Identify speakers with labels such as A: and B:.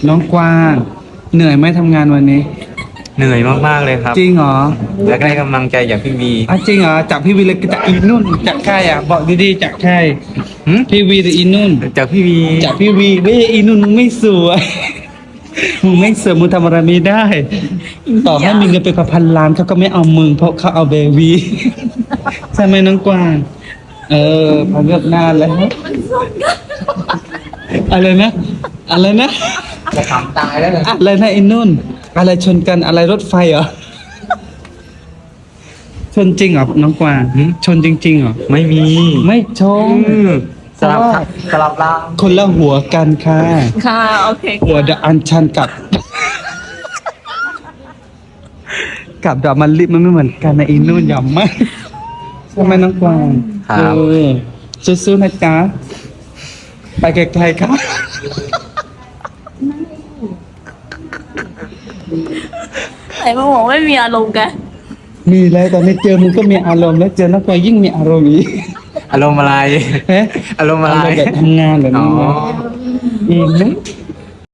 A: น้องกวางเหนื่อยไหมทำงานวันนี้
B: เหนื่อยมากๆเลยครับ
A: จริงเหรอ
B: และได้กำลังใจจากพี่วี
A: จริงเหรอจากพี่วีเลยจากอีนุ่นจากใครอ่ะบอกดีๆจากใคร
B: หึ
A: พี่วีหรืออีนุ่น
B: จากพี่วี
A: จากพี่วีเว้ยอีนุ่นมึงไม่สวยมึงไม่สวยมึงทำอะไรไม่ได้ ต่อให้มีเงินเป็นพันล้านเขาก็ไม่เอามึงเพราะเขาเอาเบบีใช่ไหมน้องกวางพอเลือกหน้าแล้วอะไรนะอะไรนะ
B: จะขำตายแล้วเลย
A: อะไรนะไอ้นุ่น อะไรชนกันอะไรรถไฟเหรอชนจริงเหรอน้องกวางชนจริงๆเหรอ
B: ไม่มี
A: ไม่ชน
B: สลับสลับล่าง
A: คนละหัวกันค่ะ
C: ค่ะ โอเค
A: หัวดะอันชันกับ กับดอกมันลิบมันไม่เหมือนกันนะอีนุ่นยำมากใช่ไหมน้องกวาง
B: ครับ
A: สู้ๆนะจ๊ะไปไกลๆครับ
C: ไหนมาบอกไม่มีอารมณ์กัน
A: มีแล้วตอนนี้เจอมึงก็มีอารมณ์แล้วเจอน้องกวางยิ่งมีอารมณ์อีก
B: อารมณ์อะไร
A: เฮ้
B: อารมณ์อะไร
A: แบบทำงานแบบนี้
B: อ๋อ
A: อีกนะ